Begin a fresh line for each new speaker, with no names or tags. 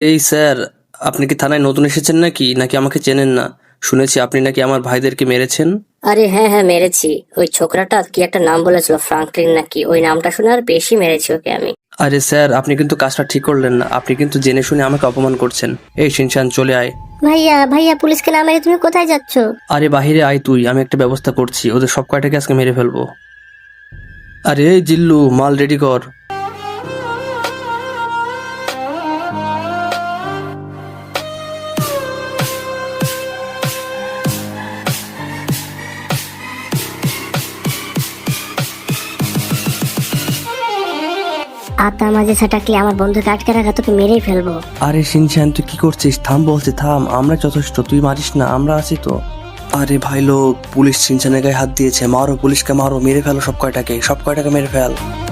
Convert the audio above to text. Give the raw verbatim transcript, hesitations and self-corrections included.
এই স্যার, আপনি কি থানায় নতুন এসেছেন নাকি নাকি আমাকে চেনেন না? শুনেছি আপনি নাকি আমার ভাইদেরকে মেরেছেন।
আরে হ্যাঁ হ্যাঁ মেরেছি। ওই ছোকরাটা কি একটা নাম বলেছিল, ফ্রাঙ্কলিন নাকি, ওই নামটা শুনে আর বেশি মেরেছি ওকে আমি।
আরে স্যার, আপনি কিন্তু কাজটা ঠিক করলেন না। আপনি কিন্তু জেনে শুনে আমাকে অপমান করছেন। এই শিনশান, চলে আয়।
ভাইয়া ভাইয়া পুলিশকে না মেরে তুমি কোথায় যাচ্ছ?
আরে বাহিরে আয় তুই, আমি একটা ব্যবস্থা করছি। ওদের সব কয়টাকে আজকে মেরে ফেলবো। আরে এই জিল্লু, মাল রেডি কর।
আতা মাঝে ছাটাকলে আমার বন্ধুকে আটকে রাখা, তোকে মেরেই ফেলবো।
আরে শিনশান, তুই কি করছিস? থাম বলছি, থাম। আমরা যথেষ্ট, তুই মারিস না, আমরা আছি তো। আরে ভাই লোক, পুলিশ শিনশানের গায়ে হাত দিয়েছে। মারো পুলিশকে, মারো, মেরে ফেলো সব কয়টাকে, সব কয়টাকে মেরে ফেল।